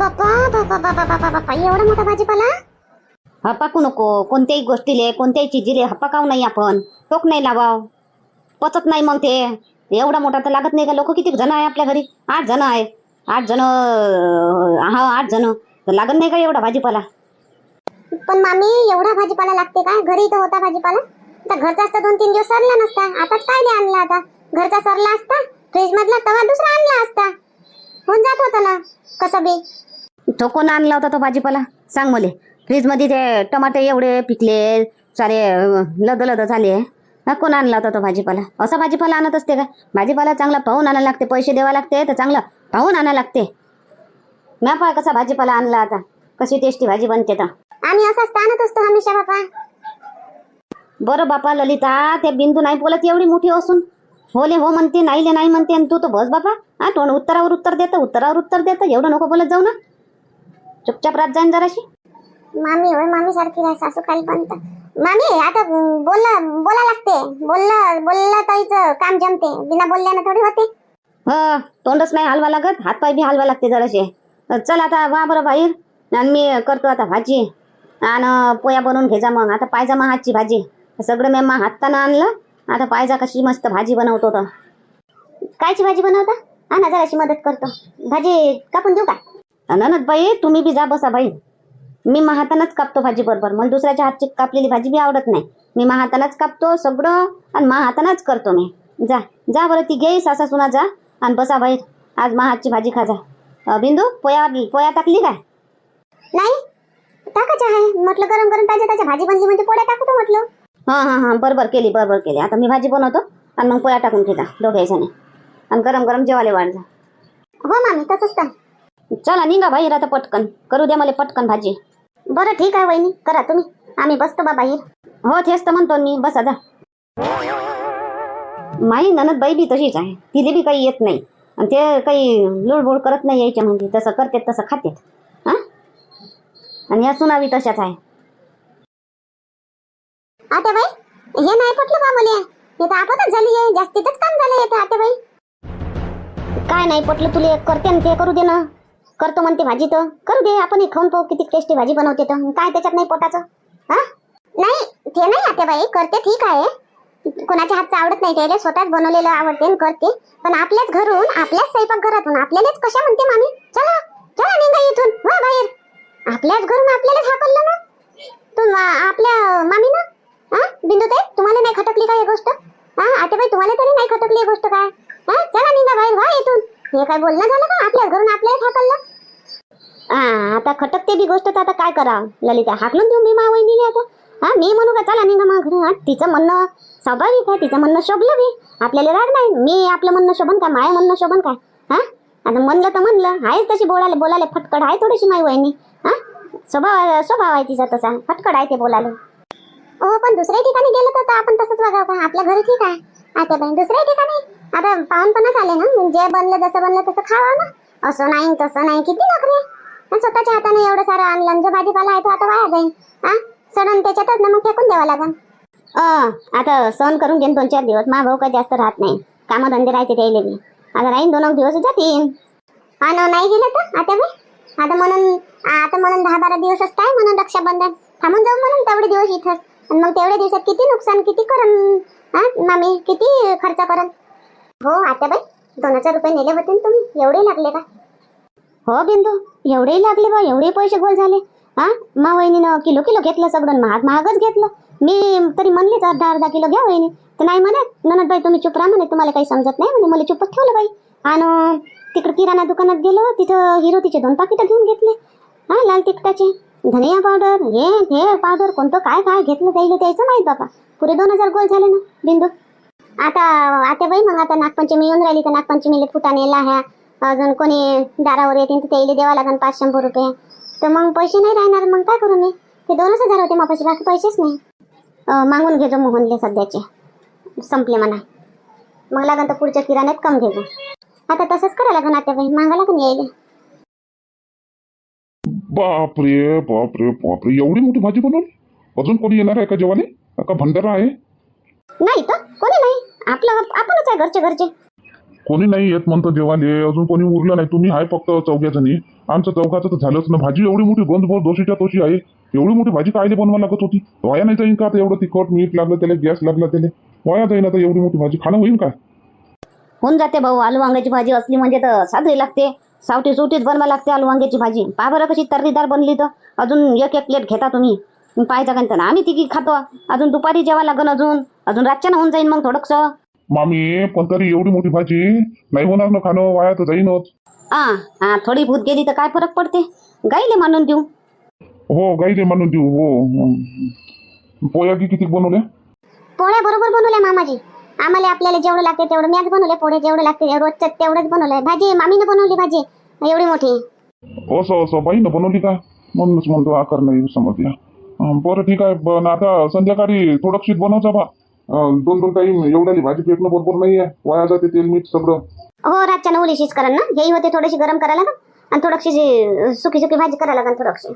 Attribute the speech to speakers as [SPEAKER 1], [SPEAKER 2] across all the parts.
[SPEAKER 1] बापा बापा बापा बापा बापा एवढा मोठा भाजीपाला.
[SPEAKER 2] हपाकू नको कोणत्याही गोष्टीले, कोणत्याही चिजीले हपाकाव नाही आपण. टोक नाही लावाव, पचत नाही मग ते. एवढा मोठा तर लागत नाही का? लोक किती जण आहे आपल्या घरी? 8 जण आहे. 8 जण, हा 8 जण तर लागत नाही का एवढा भाजीपाला?
[SPEAKER 1] पण मामी एवढा भाजीपाला लागते का? घरी तर होता भाजीपाला. तर घरचा असता 2-3 दिवस सरला नसता. आताच काय नाही आणला आता. घरचा सरला असता, फ्रीज मधला तवा दुसरा आणला असता, होऊन जात होता ना कसं बी.
[SPEAKER 2] तो कोण आणला होता तो भाजीपाला? सांग मले. फ्रीज मध्ये ते टमाटे एवढे पिकले, सारे लद लद झाले. कोण आणला होता तो भाजीपाला? असा भाजीपाला आणत असते का? भाजीपाला चांगला पाहून आणायला लागते. पैसे द्यावा लागते तर चांगला पाहून आणायला लागते. म्या पाय कसा भाजीपाला आणला आता, कशी टेस्टी भाजी बनते तर.
[SPEAKER 1] आम्ही असाच आणत असतो हमेशा बापा.
[SPEAKER 2] बरं बापा ललिता, ते बिंदू नाही बोलत एवढी मोठी असून. होले हो म्हणते, नाहीले नाही म्हणते, आणि तू तर बस बापा. हा तोंड उत्तरावर उत्तर देतं. एवढं नको बोलत जाऊ ना. चुपचाप रात जाईन जराशी.
[SPEAKER 1] मामी होय, मामी सारखी राह, सासू खाली बनत. मामी आता बोला लागते. बोलला ताईचं काम जमते, बिना बोलल्यानं थोडी होते.
[SPEAKER 2] तोंडच नाही हलवा लागत, हातपाय बी हलवा लागते जराशे. चल आता वा बरं बाहेर, आणि मी करतो आता भाजी आणि पोया बनवून घे जा. मग आता पायजा मा हातची भाजी. सगळं मी मा हातानं आणलं. आता पायजा कशी मस्त भाजी बनवतो तर.
[SPEAKER 1] कायची भाजी बनवता? ना जराशी मदत करतो. भाजी कापून देऊ का?
[SPEAKER 2] ननद बाई तुम्ही बी जा बसा बाई. मी मा हातानंच कापतो भाजी बरोबर. मला दुसऱ्याच्या हातची कापलेली भाजी बी आवडत नाही. मी मा हातानंच कापतो सगळं, आणि मा हातानंच करतो मी. जा जा बरं, ती घे सासा सुना जा आणि बसा बाई. आज मा हातची भाजी खा जा. बिंदू पोया टाकली काय?
[SPEAKER 1] नाही टाकायचं आहे म्हटलं. गरम गरम ताज्या भाजी बनली म्हणजे पोळ्या टाकतो म्हटलं.
[SPEAKER 2] हा बरोबर केली. आता मी भाजी बनवतो आणि मग पोया टाकून घेता दोघे जणी, आणि गरम गरम जेवायला वाढ जा.
[SPEAKER 1] हो मामी तसंच तर.
[SPEAKER 2] चला निघा बाहेर आता पटकन. करू द्या मला पटकन भाजी.
[SPEAKER 1] बरं ठीक आहे वहिनी, करा तुम्ही. आम्ही बसतो बा बाहेर.
[SPEAKER 2] हो तेच तर म्हणतो मी, बसा जा. माई ननद बाई बी तशीच आहे. तिले बी काही येत नाही, आणि ते काही लुडबुड करत नाही यायच्या म्हणजे. तसं करतेत तसं खातेत. हा, आणि या सुनावी तशाच आहे.
[SPEAKER 1] आता बाई हे नाही पटलं बा मला. हे तर आपणच झाली आहे, जास्तीतच काम झालं हे. आता बाई
[SPEAKER 2] काय नाही पटलं तुले? करते ना ते, करू दे ना. करतो म्हणते भाजी तर करू दे. आपण खाऊन पाहू किती टेस्टी भाजी बनवते तर. काय त्याच्यात नाही पोटाचं? हा
[SPEAKER 1] नाही ते नाही आता बाई, करते ठीक आहे. कोणाच्या हातचं आवडत नाही त्याला, स्वतःच बनवलेलं आवडते आणि करते. पण आपल्याच घरून, आपल्याच स्वयंपाकघरातून आपल्यालाच कशा म्हणते मामी चला चला निघा इथून, वा बाहेर. आपल्याच घरून आपल्यालाच हाकललं ना तू आपल्या मामी ना. बिंदुताई तुम्हाला नाही खटकली का ही गोष्ट? आता बाई तुम्हाला तरी नाही खटकली ही गोष्ट काय? चला निघा बाहेर, वा इथून. हे काय बोलणं झालं का? आपल्याच घरून आपल्यालाच हाकललं.
[SPEAKER 2] आता खटकते बी गोष्ट तर आता काय करा ललिता? हाकलून देऊ मी मा वहिनीने आता? मी म्हणू का चला निघा मा घरी? तिचं म्हणणं स्वाभाविक आहे, तिचं म्हणणं शोभलं बी. आपल्याला राग नाही. मी आपलं म्हणणं शोभन काय? माय म्हणणं शोभन काय? आता म्हणलं तर म्हणलं आहे. तशी बोलायला फटकड आहे थोडीशी माई वहिनी. स्वभाव आहे तिचा तसा, फटकड आहे ते बोलायला.
[SPEAKER 1] हो पण दुसऱ्या ठिकाणी गेलं तर आपण तसंच वागावं का? आपल्या घरी ठीक आहे. आता बाई दुसऱ्या ठिकाणी आता पाहुणपणा झाले ना, जे बनलं जसं बनलं तसं खावं ना. असं नाही तसं नाही, किती नखरे. स्वतःच्या हाताने एवढं सारं आणलं, जो भाजीपाला आहे तो आता वाया जाईल. सडून त्याच्यातच ना मग फेकून द्यावा लागेल.
[SPEAKER 2] आता सहन करून घेईन 2-4 दिवस. मा भाऊ काय जास्त राहत नाही, कामधंदे राहते त्याला बी. आता राहीन 2 दिवस जातीन.
[SPEAKER 1] नाही गेलं तर आता बाई आता म्हणून 10-12 दिवसच काय म्हणून रक्षाबंधन थांबून जाऊ म्हणून तेवढे दिवस इथंच. आणि मग तेवढ्या दिवसात किती नुकसान किती करन मामी, किती खर्च करन. हो आता बाई 2000 रुपये नेले होते तुम्ही, एवढे लागले का?
[SPEAKER 2] हो बिंदू, एवढे लागले बा. एवढे पैसे गोल झाले. मा वहिनीनं किलो घेतलं, सगळं महागच घेतलं. मी तरी म्हणलेच अर्धा किलो घ्या वहिनी. तर नाही म्हणे ननद बाई तुम्ही चुप राहा म्हणे, तुम्हाला काही समजत नाही म्हणे. मला चुपच ठेवलं बाई. आणि तिकडे किराणा दुकानात गेलो, तिथं हिरोतीचे 2 पाकिटं घेऊन घेतले. लाल तिखटाचे, धनिया पावडर, हे पावडर कोणतं काय घेतलं त्याचं माहित बाबा. पुरे 2000 गोल झाले ना बिंदू.
[SPEAKER 1] आता बाई मग आता नागपंचमी येऊन राहिली तर नागपंचमीला फुटाणे लाह्या अजून कोणी दारावर येतील तर त्याला द्यावा लागेल 500 रुपये. तर मग पैसे नाही राहणार. मग काय करू मी? ते 2000 होते मापाशी, बाकी पैसेच नाही.
[SPEAKER 2] मागून घेजो मोहनले सध्याचे, संपले म्हणा.
[SPEAKER 1] मग लागन तर पुढच्या किराण्यात कम घेजो. आता तसंच करायला लागेल आता बाई, मागा लागून यायले.
[SPEAKER 3] बापरे बापरे बापरे, एवढी मोठी भाजी बनवली. अजून कोणी येणार आहे का जेवाले? का भंडारा आहे?
[SPEAKER 2] नाही तर कोणी नाही, आपणच आहे घरचे.
[SPEAKER 3] कोणी नाही येत म्हणतो जेवाले. अजून कोणी उरलं नाही. तुम्ही आहे फक्त 4 जणी. आमचं चौघाचं तर झालंच ना. भाजी एवढी मोठी गंजभर दोशीच्या तोशी आहे. एवढी मोठी भाजी कायले बनवा लागत होती? वाया नाही जाईन का आता? एवढं तिखट मीठ लागलं त्याला, गॅस लागला त्याला, वाया जाईन आता एवढी मोठी भाजी? खाणं होईन का?
[SPEAKER 2] होऊन जाते भाऊ. आलू वांग्याची भाजी असली म्हणजे तर साधी लागते, सावटी सुटीच बनवा लागते आलू वांग्याची भाजी. पहा बरं कशी तर्रीदार बनली. तर अजून एक एक प्लेट घेता तुम्ही, पाहायचा का? आम्ही तिघी खातो. अजून दुपारी जेवा लागन, अजून रातच्यानं होऊन जाईन मग थोडंसं.
[SPEAKER 3] मामी पण तरी एवढी मोठी भाजी नाही होणार ना खाणं, वाया तर जाईनच.
[SPEAKER 2] हा थोडी भूत गेली तर काय फरक पडते? गाईले मानून देऊ.
[SPEAKER 3] हो गाईले म्हणून देऊ. हो पोया की किती बनवल्या?
[SPEAKER 1] पोळ्या बरोबर बनवल्या मामाजी. आम्हाला आपल्याला जेवढं लागते तेवढं मॅच बनवले. पोळे जेवढे लागते रोजच्या तेवढंच बनवलंय. भाजी मामीने बनवली, भाजी एवढी मोठी.
[SPEAKER 3] असं बाईनं बनवली का? म्हणूनच म्हणतो आकार नाही समजला. बरं ठीक आहे. पण आता संध्याकाळी थोडंशीच बनवचा बा. दोन टाईम एवढ्याली भाजी पेटणं बरोबर नाही आहे. वाया जाते तेल मीठ सगळं.
[SPEAKER 1] हो रातच्या उलीशीच करा ना. हेही होते थोडीशी गरम करायला लागेल आणि थोडीशी सुकी भाजी करायला लागेल थोडीशी.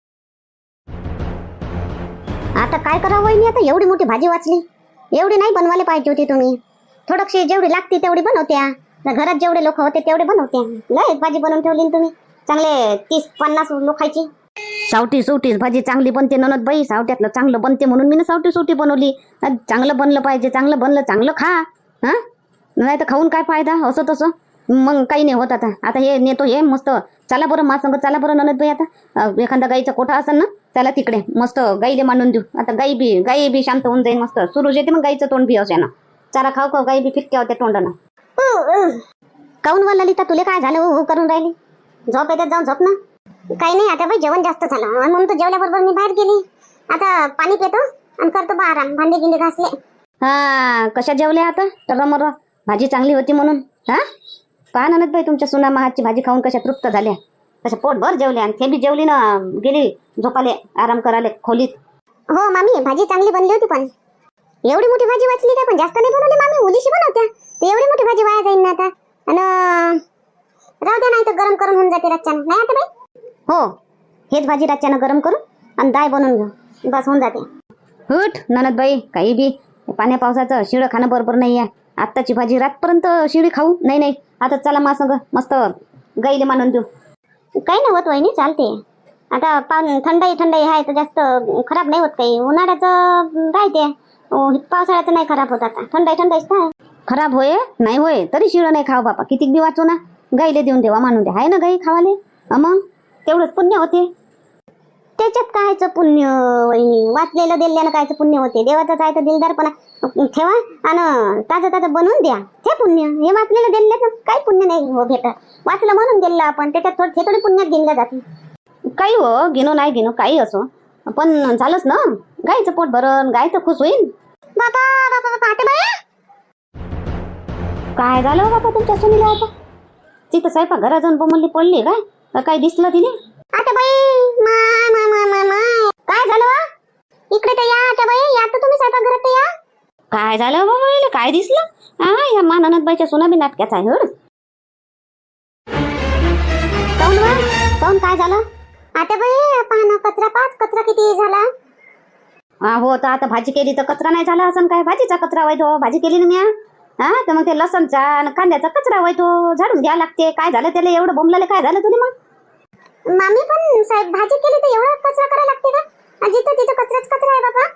[SPEAKER 1] आता काय करावं वहिनी? आता एवढी मोठी भाजी वाचली. एवढी नाही बनवायला पाहिजे होती तुम्ही. थोडीशी जेवढी लागते तेवढी बनवत्या. घरात जेवढे लोक होते तेवढे बनवत्या. लय भाजी बनवून ठेवली तुम्ही. चांगले 30-50 लोकांची.
[SPEAKER 2] सावटी सुटीच भाजी चांगली बनते ननद बाई. सावट्यातलं चांगलं बनते म्हणून मी सावटी सुटी बनवली. चांगलं बनलं पाहिजे. चांगलं बनलं चांगलं खा. हा नाही तर खाऊन काय फायदा? असं तसं मग काही नाही होत. आता हे नेतो हे मस्त. चला बरं मा संग, चला बरं ननद बाई. आता एखादा गाईचा कोठा असेल ना, चला तिकडे मस्त गाईले मांडून देऊ. आता गाई बी शांत होऊन जाईल. मस्त सुरू येते मग गाईचं तोंड बी असे ना. चारा खाऊ खाऊ गाई बी फिटक्या होत्या तोंडानं.
[SPEAKER 1] काऊन वा ललिता, तुले काय झालं? हो करून राहिली. झोप येतात, जाऊन झोप ना. काही नाही आता बाई, जेवण जास्त झालं म्हणून तर जेवल्याबरोबर मी बाहेर गेली. आता पाणी पितो आणि करतो बा आराम. भांडे गिंडे घासले.
[SPEAKER 2] हा कशा जेवल्या आता? टरमर भाजी चांगली होती म्हणून. हा पहा ननद बाई, तुमच्या सुना महाची भाजी खाऊन कशा तृप्त झाल्या, कशा पोटभर जेवल्या. आणि ते बी जेवली ना गेली झोपाले, आराम कराले खोलीत.
[SPEAKER 1] हो मामी, भाजी चांगली बनली होती. पण एवढी मोठी भाजी वाचली काय? पण जास्त नाही बनवली मामी, उलीशी बनवत्या. ते एवढी मोठी भाजी वाया जाईन ना आता. आणि राहू द्या, नाही तर गरम करून होऊन जाते रातच्यानं. नाही आता बाई? हो हेच भाजी रातच्यानं गरम करून आणि डाळ बनवून घेऊ, बस होऊन जाते.
[SPEAKER 2] हुट ननद बाई, काही बी पाण्या पावसाचं शिळं खाणं बरोबर नाही आहे. आत्ताची भाजी रातपर्यंत शिळी खाऊ नाही. आता चला मा संग मस्त गाईले मानून देऊ.
[SPEAKER 1] काही नाही होत वहिनी, चालते. आता थंडाई आहे तर जास्त खराब नाही होत काही. उन्हाळ्याचं राहते, पावसाळ्याचं नाही खराब होत. आता थंडाईच आहे.
[SPEAKER 2] खराब होय नाही होय तरी शिळं नाही खाव बापा. कितीक बी वाचू ना, गाईले देऊन देवा, मानून द्या. आहे ना गाई खावाले, मग तेवढंच पुण्य होते.
[SPEAKER 1] त्याच्यात कायचं पुण्य वहिनी? वाचलेलं दिल्यानं कायचं पुण्य होते? देवाचंच आहे तर दिलदारपणा ठेवा आणि ताजं बनवून द्या, ते पुण्य. हे वाचलेलं दिल्याचं काही पुण्य नाही हो भेटत. वाचलं म्हणून दिलं आपण, त्याच्यात थोडी पुण्यात गिनल्या जाते.
[SPEAKER 2] काही हो घेणो नाही घेणो काही असो, पण झालंच ना. गाईचं पोट भरण, गाय तर खुश होईल.
[SPEAKER 1] बाबा आता बाया
[SPEAKER 2] काय झालं हो बापा तुमच्या सुनीला? आता तिथं स्वयंपाक घरात जाऊन बोंबली पडली काय? काय दिसलं तिने?
[SPEAKER 1] आता बाई माय काय झालं? इकडे तर या आता बाई, या तर तुम्ही स्वयंपाक घरात या.
[SPEAKER 2] काय झालं बाबा? काय दिसलं? या माननाथ बाईच्या सुना बी नाटकाचा आहे. हड
[SPEAKER 1] काऊन काय झालं? आता बाई पाहणं, कचरा किती झाला.
[SPEAKER 2] हो तर आता भाजी केली तर कचरा नाही झाला असं काय? भाजीचा कचरा व्हायतो, भाजी केली ना म्या. तर मग ते लसणचा आणि कांद्याचा कचरा व्हायतो, झाडून घ्या लागते. काय झालं त्याला एवढं बोंबलाले? काय झालं तुला? मग
[SPEAKER 1] मामी पण साहेब, भाजी केली तर एवढा कचरा करायला लागते का? जिथं तिथं कचरा आहे बाबा.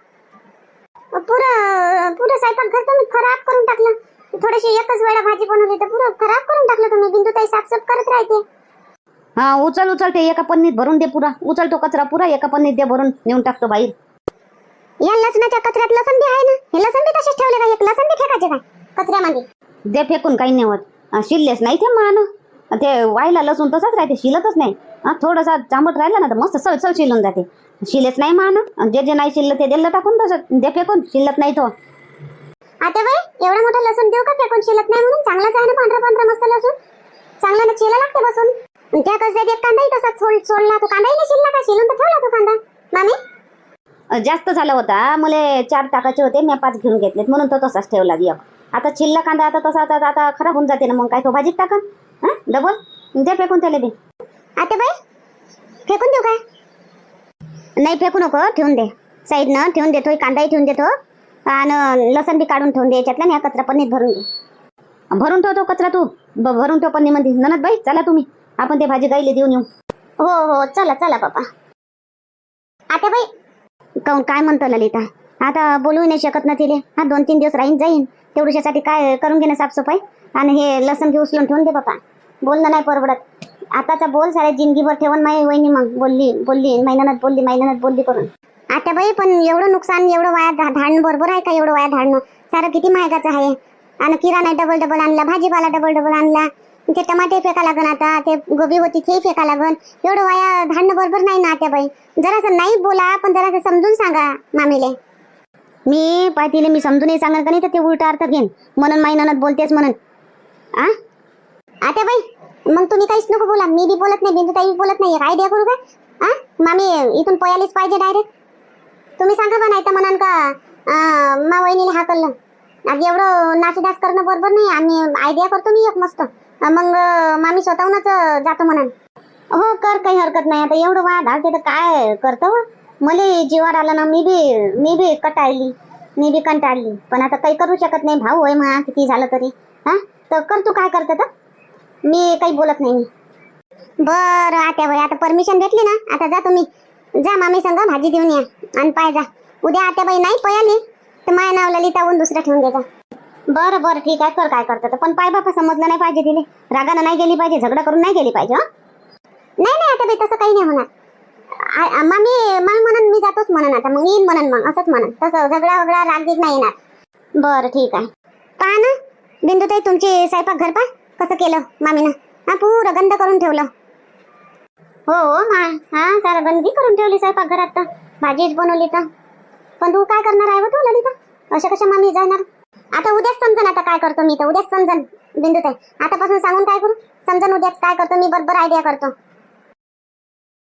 [SPEAKER 1] पुरं स्वयंपाक घर तुम्ही खराब करून टाकलं. थोडीशी एकच वेळा भाजी बनवली तर पुरं खराब करून टाकलं तुम्ही. बिंदू ताई साफसाफ करत राहते.
[SPEAKER 2] हा उचल ते एका पन्नीत भरून दे पुरा. उचल तो कचरा पुरा एका पन्नीत दे भरून, नेऊन टाकतो बाहेर.
[SPEAKER 1] या लसणाच्या कचऱ्यात लसण बी आहे ना, हे लसण बी तसेच ठेवले का? एक लसण बी फेकायचे काय कचऱ्यामध्ये?
[SPEAKER 2] दे फेकून, काही नाही होत. शिरलेच नाही ते मान. ते वायला लसून तसंच राहते, शिलतच नाही. थोडासा चांबट राहिला ना तर मस्त सळसळ शिलून जाते. शिलेच नाही मान. जे नाही शिरलं ते दिलं टाकून, तसं दे फेकून. शिलत नाही तो.
[SPEAKER 1] आता बाई एवढा मोठा लसूण देऊ का फेकून? शिलत नाही म्हणून? चांगलाच आहे ना, पांढरा मस्त लसूण. चांगला ना चिला लागते बसून. त्या कचऱ्यात एक कांदाही तसाच सोडला. तो कांदाही नाही शिरला का? शिलून तर ठेवला तो कांदा मामी.
[SPEAKER 2] जास्त झाला होता, मला 4 टाकायचे होते, मी 5 घेऊन घेतलेत म्हणून तो तसाच ठेवला. आता चिल्ला कांदा आता तसा आता खराब होऊन जाते ना, मग काय तो भाजीत टाका डबल. द्या फेकून त्याला बी.
[SPEAKER 1] आता बाई फेकून देऊ काय? नाही फेकू नको, ठेवून दे साईडनं, ठेवून देतो. कांदाही ठेवून देतो आणि लसण बी काढून ठेवून दे याच्यातला. ह्या कचरा पन्नीत भरून दे.
[SPEAKER 2] भरून ठेवतो कचरा तू, भरून ठेव पन्नीमध्ये. ननद बाई चला तुम्ही आपण ते भाजी गाईले देऊन येऊ.
[SPEAKER 1] हो हो चला चला बाबा. आत्याबाई
[SPEAKER 2] काऊन काय म्हणतो ललिता? आता बोलू नाही शकत ना तिले. हा 2-3 दिवस राहीन जाईन तेवढ्यासाठी काय करून घे ना साफसफाई. आणि हे लसण घे उचलून ठेवून दे बाबा. बोलणं नाही परवडत. आताचा बोल साऱ्या जिंदगीभर ठेवून माई वहिनी मग बोलली महिन्यात बोलली करून.
[SPEAKER 1] आत्याबाई पण एवढं नुकसान एवढं वाया धाडणं बरोबर आहे का? एवढं वाया धाडणं सारं किती महागाचं आहे. आणि किराणा डबल आणला, भाजीपाला डबल आणला, ते टमाटे फेका लागन, आता ते गोबी होती ते फेका लागन. एवढं वाया धाडणं बरोबर नाही ना आत्याबाई. जरासं नाही बोला पण जरासं समजून सांगा मामीले.
[SPEAKER 2] मी पाहतीले मी समजूनही सांगेन का नाही तर ते उलटा अर्थ घेईन म्हणून माई ननद बोलतेच म्हणून.
[SPEAKER 1] आत्याबाई मग तुम्ही काहीच नको बोला. मी बी बोलत नाही, बिंदू ताई बोलत नाही. आयडिया करू का? मामी इथून पयालीच पाहिजे डायरेक्ट. तुम्ही सांगा बा, नाही तर म्हणाल का मा वहिनीला हाकललं. आज एवढं नाचदास करणं बरोबर नाही. आम्ही आयडिया करतो मी एक मस्त. मग मामी स्वतःहूनच जातो म्हणाल.
[SPEAKER 2] हो कर, काही हरकत नाही. आता एवढं वाया धाडते तर काय करतो. मला जीवावर आला ना. मी बी कंटाळली. पण आता काही करू शकत नाही. भाऊ आहे म्हणा किती झालं तरी. तर कर तू काय करते तर. मी काही बोलत नाही.
[SPEAKER 1] बरं आत्याबाई आता परमिशन भेटली ना. आता जा तुम्ही. जा मामी संग भाजी देऊन या आणि पाय जा. उद्या आत्याबाई नाही पयाली तर माया नाव ललिताहून दुसरं ठेवून देजा.
[SPEAKER 2] बरं ठीक आहे. कर काय करतं. पण पाय बापा समजलं नाही पाहिजे तिले. रागानं नाही गेली पाहिजे, झगडा करून नाही गेली पाहिजे.
[SPEAKER 1] नाही आत्याबाई तसं काही नाही होणार. मामी मग म्हणून मी जातोच म्हणून. आता मग येईन म्हणून मग असंच म्हणून. तसं झगडा वगडा रागीत नाही येणार.
[SPEAKER 2] बरं ठीक आहे.
[SPEAKER 1] पहा ना बिंदुताई तुमची स्वयंपाक घर पा कसं केलं मामीनं. पुरं गंध करून ठेवलं.
[SPEAKER 2] हो सारा गंदी करून ठेवली स्वयंपाक घरात. तर भाजीच बनवली तर.
[SPEAKER 1] पण तू काय करणार आहे तू ललिता? अशा कशा मामी जाणार? आता उद्याच समजन आता काय करतो मी. तर उद्याच समजन बिंदुताई. आतापासून सांगून काय करू? समजन उद्याच काय करतो मी. बरोबर आयडिया करतो.